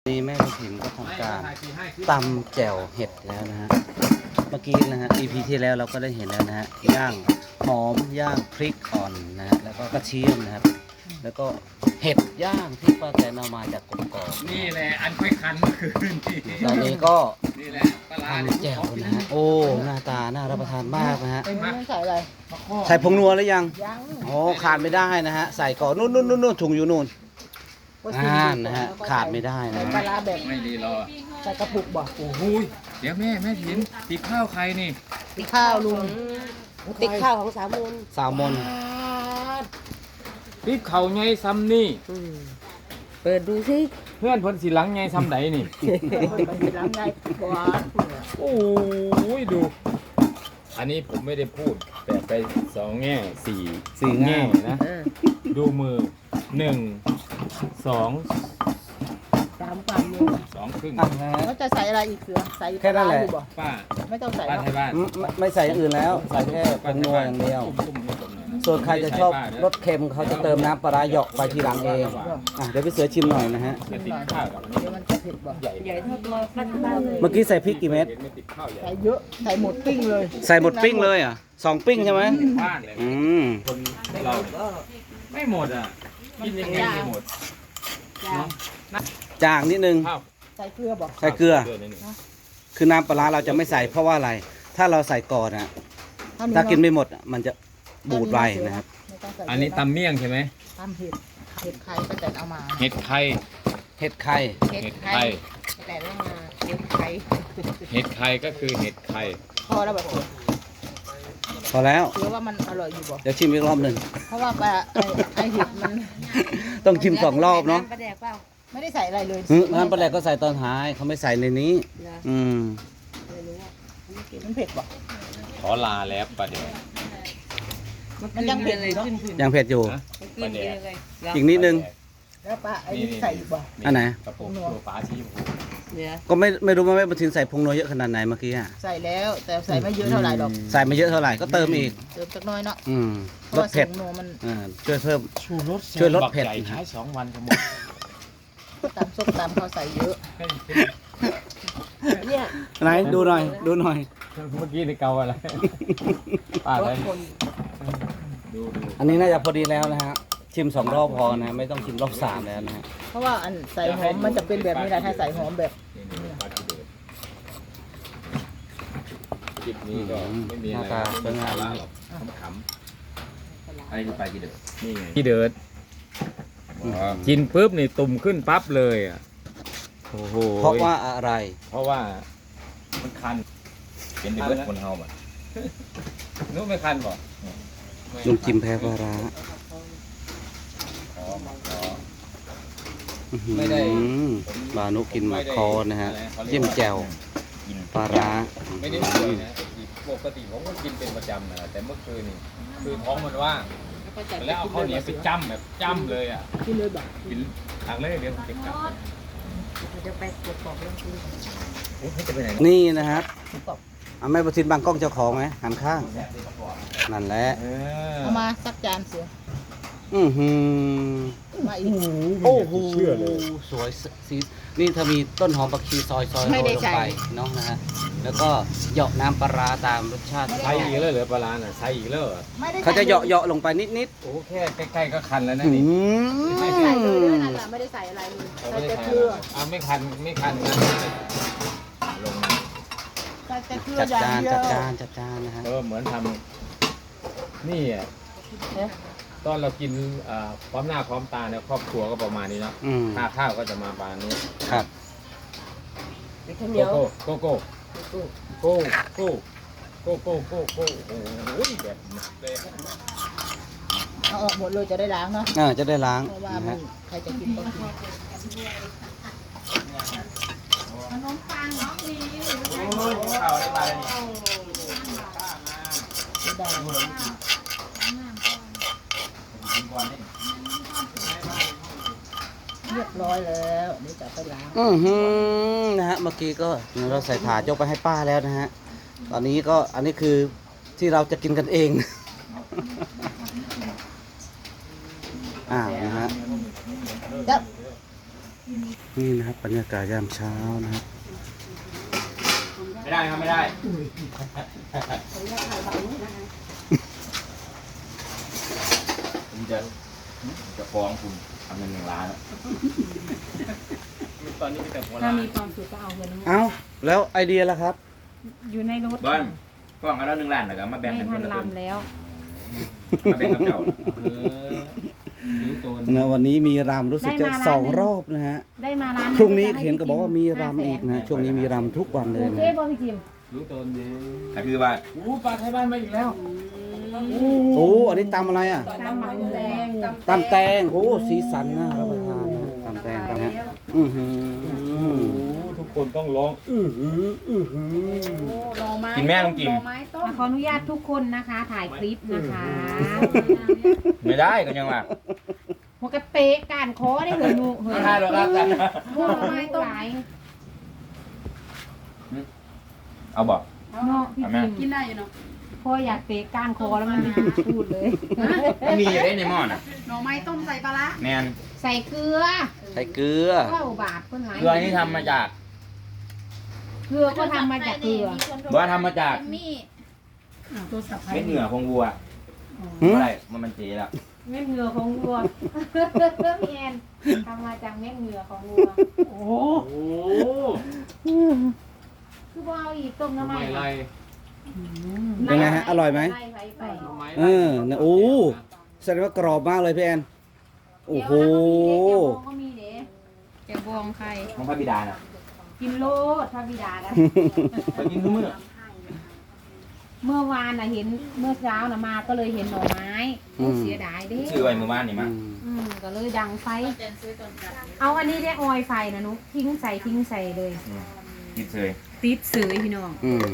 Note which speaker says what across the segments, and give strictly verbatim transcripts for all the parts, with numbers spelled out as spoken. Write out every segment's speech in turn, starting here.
Speaker 1: นี่แม่กระถิ่นก็ทำการตำแจ่วเห็ดแล้วนะฮะเมื่อกี้นะฮะ อี พี ที่แล้วเราก็ได้เห็นแล้วนะฮะย่างหอมย่างพริกอ่อนนะฮะแล้วก็กระเทียมนะครับแล้วก็เห็ดย่างที่ป้าแตนเอามาจากกกอก
Speaker 2: นี่แหละอันค่อยคันเมื่อคืนที่
Speaker 1: ตอนนี้ก็
Speaker 2: นี่แหละปลา
Speaker 1: ทำแจ่วนะฮะโอ้หน้าตาน่ารับประทานมากนะฮะ
Speaker 3: ใส่อะไร
Speaker 1: ใส่ผงนัวหรือยัง
Speaker 3: ยัง
Speaker 1: โอ้ขาดไม่ได้นะฮะใส่ก่อนนู่นนู่นนู่นถุงอยู่นู่นอ่านะฮะขาดไม่ได้นะ
Speaker 3: ปลาร้าแบบ
Speaker 2: ไม่ดีรอ
Speaker 3: ใส่กระปุกบ่
Speaker 2: โอ้โหเดี๋ยวแม่แม่ถินตีข้าวใครนี่
Speaker 3: ติ๊กข้าวลุง
Speaker 4: ติ๊กข้าวของสามมูล
Speaker 1: สาวมน
Speaker 2: ตีเข่าไงซ้ำนี่
Speaker 4: เปิดดูสิ
Speaker 2: เพื่อนเพิ่นสีหลังไงซ้ำไหนนี่
Speaker 3: ล้างไงหวาน
Speaker 2: โอ้ยดู อันนี้ผมไม่ได้พูด แต่ไปสองแง่สี่
Speaker 1: สี่แง่
Speaker 2: นะ ดูมือหนึ่งสอง
Speaker 3: สามความลุง
Speaker 2: สองครึ่ง
Speaker 1: อ่ะนะฮะ
Speaker 3: แล้วจะใส่อะไรอีกเสือใส่
Speaker 1: แค่นั้นแหละ
Speaker 3: ปาร้าอยู่บ่
Speaker 2: ป้า
Speaker 3: ไม่ต้องใส่
Speaker 2: ป้า
Speaker 3: หรอก
Speaker 2: ไทยบ้าน
Speaker 1: อืมไม่ไม่ใส่อย่างอื่นแล้วใส่แค่ผงนัวอย่างเดียว
Speaker 2: ตุ้มๆให้ผมหน่อยนะ
Speaker 1: ส่วนใครจะชอบรสเค็มเขาจะเติมน้ำปลาร้าเหยาะไปทีหลังเองอ่ะเดี๋ยวพี่เสือชิมหน่อยนะฮะ
Speaker 2: จะติดข้าวกับอันนี้
Speaker 3: เดี๋ยวมันจะเผ็ดบ่
Speaker 2: ใหญ่
Speaker 4: ใหญ่เท่าตัวฟัดข้าวเลย
Speaker 1: เมื่อกี้ใส่พริกกี่เม็ด
Speaker 2: เห็นไม่ติดข้าวใหญ่
Speaker 3: ใส่เยอะใส่หมดปิ้งเลย
Speaker 1: ใส่หมดปิ้งเลยอ่ะสองปิ้งใช่ไหม
Speaker 2: บ้านเลย
Speaker 1: อืม
Speaker 2: คนเราไม่หมดอ่ะกินยังไงไม่หมด
Speaker 3: จาง
Speaker 1: จางนิดนึง
Speaker 2: ข้าว
Speaker 3: ใส่เกลือบ่
Speaker 1: ใส่เกลือ
Speaker 2: นิดหนึ่ง
Speaker 1: คือน้ำปลาร้าเราจะไม่ใส่เพราะว่าอะไร ถ้าเราใส่ก่อนอ่ะ
Speaker 3: เท่
Speaker 1: ถ้ากิน
Speaker 3: เะ
Speaker 1: ไม่หมดอ่ะมันจะบูดไวนะครับ
Speaker 3: ไม่ต้องใส่
Speaker 2: อันนี้ตำเมี่ยงใช่ไหม
Speaker 3: ตำเห็ดเห็ดไข่ป้าแตนเอามา
Speaker 2: เห็ดไข่
Speaker 1: เห็ดไข่
Speaker 2: เห็ดไข่
Speaker 4: แต่ละมาเก็บไข่
Speaker 2: เห็ดไข่ก็คือเห็ดไข่
Speaker 3: พอแล้วแบบ
Speaker 1: พอแล้ว
Speaker 3: เสือว่ามันอร่อยอยู่บ่
Speaker 1: เดี๋ยวชิมอีกรอบหนึ่ง
Speaker 3: เพราะว่าปลาไอ้ไอ้เห็ดมัน
Speaker 1: ต้องชิมสองรอบเนาะ
Speaker 4: ปลาแดกเปล่า
Speaker 3: ไม่ได้ใส่อะไรเลย
Speaker 1: อืมงั้นปลาแดกก็ใส่ตอนท้ายเขาไม่ใส่ในนี้
Speaker 4: เหรอ
Speaker 1: อืม
Speaker 4: ไม่รู้อ่ะ
Speaker 3: มันเผ็ดบ่
Speaker 2: ขอลาแล้วประเดี๋ยว
Speaker 3: มันยังเผ็ดอยู่เนาะ
Speaker 4: ขึ้นขึ้น
Speaker 1: ยังเผ็ดอยู่
Speaker 4: ขึ้นเลย
Speaker 1: อีกนิดนึง
Speaker 3: แล้วปลาไอ้นี่ใส่อีกบ่
Speaker 1: อันไหน
Speaker 2: กระปุกตัวฟ้าชี้ชมพู
Speaker 4: เหลือ
Speaker 1: ก็ไม่ไม่รู้ว่าแม่บุญทินใส่พงนัวเยอะขนาดไหนเมื่อกี้อ่ะ
Speaker 3: ใส่แล้วแต่ใส่ไม่เยอะเท่าไหร่หรอก
Speaker 1: ใส่ไม่เยอะเท่าไหร่ก็เติมอีก
Speaker 3: เติมสักน้อยเนาะ
Speaker 1: อืม
Speaker 3: เพราะ
Speaker 1: รส
Speaker 3: ว่า
Speaker 1: เผ็ด
Speaker 3: สูงโนมัน
Speaker 1: อ่าช่วยเพิ่ม
Speaker 2: ชูรส
Speaker 1: ช่วยลดเผ็ด
Speaker 2: บักใหญ่ใช้สองวันก็หมด
Speaker 3: ตำส้มตำเขาใส่เยอะ
Speaker 4: เนี่ย
Speaker 1: ไหนดูหน่อยดูหน่อย
Speaker 2: เมื่อกี้ในเกาอะไรป้าร อะไร
Speaker 4: ถคน
Speaker 2: ดูดู
Speaker 1: อันนี้น่าจะพอดีแล้วนะฮะชิมสองรอบพอนะไม่ต้องชิมรอบสามแล้วนะฮะ
Speaker 3: เพราะว่าอันใส่หอมมันจะเป็นแบบนี้แหละถ้าใส่หอมแบบ
Speaker 2: นี่นี่ปลาที่เดือดคลิปนี้ก็ไม่มี
Speaker 1: ห
Speaker 2: อะ
Speaker 1: น้า
Speaker 2: ไร
Speaker 1: ตาสวยงาม
Speaker 2: หรอกขำๆอะไรคือปลาที่เดือดนี่ไงที่เดือดกินปุ๊บนี่ตุ่มขึ้นปั๊บเลยอ่ะโอ้โห
Speaker 1: เพราะว่าอะไร
Speaker 2: เพราะว่ามันคันเป็นเบิร์ดคนเฮาบ่นู้นไม่คันบ่
Speaker 1: ลุงจิมแพ้ปลาร้า
Speaker 2: อ๋อหมักคอ
Speaker 1: อื้อหือ
Speaker 2: ไม่ได้
Speaker 1: บานุกินหมาคอนะฮะเยี่ยมแจ่วปลาร้า
Speaker 2: ไม่ได้ป่วยนะปกติผมก็กินเป็นประจำนะแต่เมื่อคืนนี่คือท้องมันว่าง
Speaker 4: แล้วก็จะ
Speaker 2: แล้วเอาข้าวเหนียวไปจ้ำแบบจ้ำเลยอ่ะ
Speaker 3: ที่เลยแบบ
Speaker 2: กินทางเลยเดี๋ยวผมจะกลับ
Speaker 4: จะไปกดปอกเรื่องคืน
Speaker 2: เอ๊ะจะไปไหน
Speaker 1: นี่นะฮะเอาแม่ประทินบางกล้องเจ้าของไหมหันข้าง นั่นแหละ
Speaker 2: เออ
Speaker 3: เอามาสักจานเสือ
Speaker 1: อือหือ
Speaker 3: มาอีก
Speaker 1: โอ้โหสวยสีนี่ถ้ามีต้นหอมผักชีซอยซอย
Speaker 3: ไม่
Speaker 1: โร
Speaker 3: ได้
Speaker 1: ยลง
Speaker 3: ใส่
Speaker 1: ไปเนาะนะฮะแล้วก็เหยาะน้ำปลาร้าตามรสชาติ
Speaker 2: ใช้อีกแล้วเหรอปลาร้าน่ะใช้อีกแล้วเหรอ
Speaker 3: ไม่ได้
Speaker 1: เขาจะเหยาะเหยาะลงไปนิดนิด
Speaker 2: โอ้แค่ใกล้ๆก็คันแล้ว
Speaker 1: ๆ
Speaker 2: นะ
Speaker 1: อื
Speaker 2: นี่
Speaker 3: ไม่ได้ใส่เลยด้วย
Speaker 1: ม
Speaker 3: นั่นแหละไม่ได้ใส่อะไรเลย
Speaker 2: ผม
Speaker 3: ใส่
Speaker 2: ไม่ได้
Speaker 3: แต่
Speaker 2: ใช้
Speaker 3: เกลือ
Speaker 2: อ่าไม่คันไม่คันนะลงมา
Speaker 3: ใส่แต่เกลือ
Speaker 1: จัด
Speaker 3: อย่า
Speaker 1: จาง น
Speaker 3: เดีย
Speaker 1: จั
Speaker 3: ว
Speaker 1: ดจานจัดจานนะฮะ
Speaker 2: เออเหมือนทำนี่อ่ะ
Speaker 3: เนี่ย
Speaker 2: ตอนเรากินเอ่อพร้อมหน้าพร้อมตาเนี่ยครอบครัวก็ประมาณนี้เนาะ
Speaker 1: อืม
Speaker 2: ค่าข้าวก็จะมาประมาณนี้
Speaker 1: ครับ
Speaker 4: เป็นข้าวเหนี
Speaker 2: โก
Speaker 4: ยว
Speaker 2: โก้โกโก้โก้โก้โก้โก้โก้โก้โก้โอ้ยแบบหนักเลย
Speaker 3: เอาออกหมดเลยจะได้ล้างเนาะ
Speaker 1: อ่าจะได้ล้าง
Speaker 3: เพราะว่า
Speaker 1: นะ
Speaker 3: มัน
Speaker 1: ฮะ
Speaker 3: ใครจะกินก็กิน
Speaker 2: โอ้ยข้าวได้มาแล้วนี่
Speaker 3: ไม่ได้ เรียบร้อยแล้วเดี๋ยวจะไปล้าง
Speaker 1: อือหือนะฮะเมื่อกี้ก็เราใส่ถาดยกไปให้ป้าแล้วนะฮะตอนนี้ก็อันนี้คือที่เราจะกินกันเอง อ่านะฮะ
Speaker 3: จับ
Speaker 1: นี่นะครับบรรยากาศยามเช้านะครับ
Speaker 2: ไม่ได้ครับไม่ได้ผมจะจะฟ้องคุณทำเงินหนึ่งล้านตอนนี้มีแต่หัว
Speaker 3: ถ้า
Speaker 2: ล้าน
Speaker 3: มีความสุขก็เอาเงินทั้งหมด
Speaker 1: เอ้าแล้วไอเดียล่ะครับ
Speaker 3: อยู่ในรถ
Speaker 2: บอลฟ้องกันแล้วหนึ่งล้านนะครับมาแบ่ง
Speaker 3: ไม่
Speaker 2: กันค
Speaker 3: ทั
Speaker 2: น
Speaker 3: น
Speaker 2: ละครึ่ง
Speaker 3: ลำแล้ว
Speaker 2: มาแบ่งกับเจ้าเออรู้ตัว
Speaker 1: นะวันนี้มีรำรู้สึกจะสองรอบนะฮะ
Speaker 3: ได้มาร้าน
Speaker 1: พรุ่งนี้เห็นก็บอกว่ามีรำอีกนะช่วงนี้มีรำทุกวันเลย
Speaker 3: โอ
Speaker 1: นะ
Speaker 3: เคบอพี่จิม
Speaker 2: รู้ตัวดีแต่คือว่าอู้ปลาไทยบ้านมาอีกแล้ว
Speaker 1: โอ้อันนี้ตำอะไรอ่ะ
Speaker 3: ตำหมักแดง
Speaker 1: ตำแตงโอ้สีสันน่ารับประทานนะตำแตงตำฮะอือหือ
Speaker 2: ทุกคนต้องร้อง
Speaker 1: อือหืออือหือ
Speaker 3: รอไม้
Speaker 2: กินแม่ต้องกิน
Speaker 3: รอไม้ต้มขออนุญาตทุกคนนะคะ ถ่ายคลิปนะคะ
Speaker 2: ไม่ได้ก็ยังว่า
Speaker 3: หัวกระเตะการคอได้เลยหนูเฮ้ย
Speaker 2: ไม่ได้หรอกครับแต่
Speaker 3: หัวไม้ต้ม
Speaker 2: เอาบอก
Speaker 3: เนาะพี่จิม
Speaker 4: กินได้อยู่เนาะ
Speaker 3: พ่ออยากเตะก้านคอแล้วมันไม่พูดเลย
Speaker 2: มันมีอยู่ได้ในหม้อน่ะ
Speaker 4: หน่อไม้ต้มใส่ปลาร้า
Speaker 2: แมน
Speaker 3: ใส่เกลือ
Speaker 1: ใส่เกลือ
Speaker 3: เก้าบาทเพิ่นหลาย
Speaker 2: เกลือนี่ทำมาจาก
Speaker 3: เกลือก็ทำมาจากเกลือ
Speaker 2: บอกว่าทำมาจาก
Speaker 3: ตัวสับ
Speaker 2: เม็ดเหงื่อของวัว
Speaker 1: หืม
Speaker 2: อะไรมันมันเจ๊แล้ว
Speaker 3: เม็ดเหงื่อของวัวพี่แอนทำมาจากเม็ดเหงื่อของวัว
Speaker 2: โอ้
Speaker 3: คือว่าเอาอีกต้มน้ำมัน
Speaker 1: เป็นไงฮะอร่อยไหม
Speaker 3: ไล่ไปไป
Speaker 1: เออนะโอ้แสดงว่ากรอบมากเลยพี่แอนโอ้โห
Speaker 3: เดี๋ยวก็มีเด้แกบองใคร
Speaker 2: ของพระบิดาน่ะ
Speaker 3: กินโลดพระบิดานะ
Speaker 2: ไปกินทุกมื้อ
Speaker 3: เมื่อวานน่ะเห็นเมื่อเช้าน่ะมาก็เลยเห็นหน่อไม้โอ้เสียดายเด้
Speaker 2: ซื้อไว้มื้อวานนี่มา
Speaker 3: อืมก็เลยดังไฟ เอาอันนี้ได้ออยไฟนะนุทิ้งใส่ทิ้งใส่เลย
Speaker 2: อืมกินเลย
Speaker 3: ติดเสยพี่น้อง
Speaker 1: อืม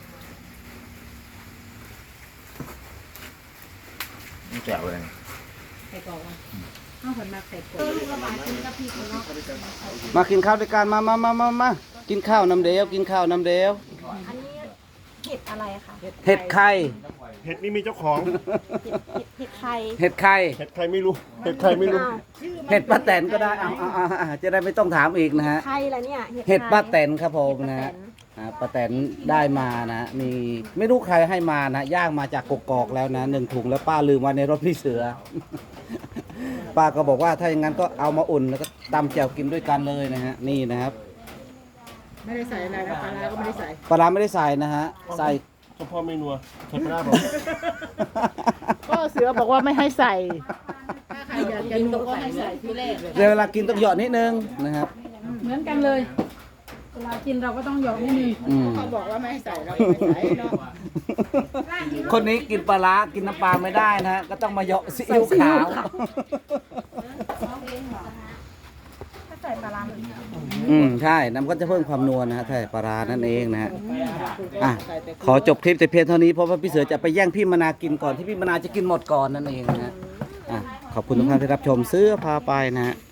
Speaker 2: นี่แจ๋วเลย
Speaker 3: ใส่กรอกเอาผลมาใส่กรอกลูกระบาดกินกะปิเนาะ
Speaker 1: มากินข้าวด้วยกันมามามามามากินข้าวน้ำเดียวกินข้าวน้ำเดียว
Speaker 3: อันนี้เห็ดอะไรคะ
Speaker 1: เห็ดไข่
Speaker 5: เห็ดนี่มีเจ้าของ
Speaker 3: เห็ดไข่
Speaker 1: เห็ดไข่
Speaker 5: เห็ดใครไม่รู้ เห็ดใครไม่รู้
Speaker 1: เห็ดป้าแตนก็ได้เอาเอาเอาเอาจะได้ไม่ต้องถามอีกนะฮะ
Speaker 3: ไข่อะไรเนี่ย
Speaker 1: เห็ดป้าแตนครับผมนะฮะอ่าป้าแตนได้มานะมีไม่รู้ใครให้มานะย่างมาจากกกอกแล้วนะหนึ่งถุงแล้วป้าลืมไว้ในรถพี่เสือ ป้าก็บอกว่าถ้าอย่างนั้นก็เอามาอุ่นแล้วก็ตำแจ่วกินด้วยกันเลยนะฮะนี่นะครับ
Speaker 3: ไม่ได้ใส่อะไรนะปลาร้าก็ไม่ได้ใส่
Speaker 1: ปลาร้าไม่ได้ใส่นะฮะใส่
Speaker 5: เฉพาะไม่นัวเห็ดปลาบอก
Speaker 3: ก็เสือบอกว่าไม่ให้ใส่ ถ้าใครอยากจะรู้ก็ให้ใส่ที่แรก
Speaker 1: เดี๋ยวเวลากินต้องหยอดนิดนึงนะครับ
Speaker 3: เหมือนกันเลยเวลากินเราก็ต้องหยอกนิดนึง
Speaker 1: อืม
Speaker 3: เขาบอกว่าไม่ให้ใส่เราก็ไม่ใส่เนาะ
Speaker 1: คนนี้กินปลาร้ากินน้ำปลาไม่ได้นะฮะก็ต้องมาเหยาะซีอิ๊วขาว
Speaker 3: ถ้าใส่ปลาร้า
Speaker 1: อืมใช่น้ำก็จะเพิ่มความนัวนะฮะใช่ปลาร้านั่นเองนะฮะอ่ะขอจบคลิปแต่เพียงเท่านี้เพราะว่าพี่เสือจะไปแย่งพี่มนากินก่อนที่พี่มนาจะกินหมดก่อนนั่นเองนะฮะอ่ะขอบคุณทุกท่านที่รับชมเสื้อพาไปนะฮะ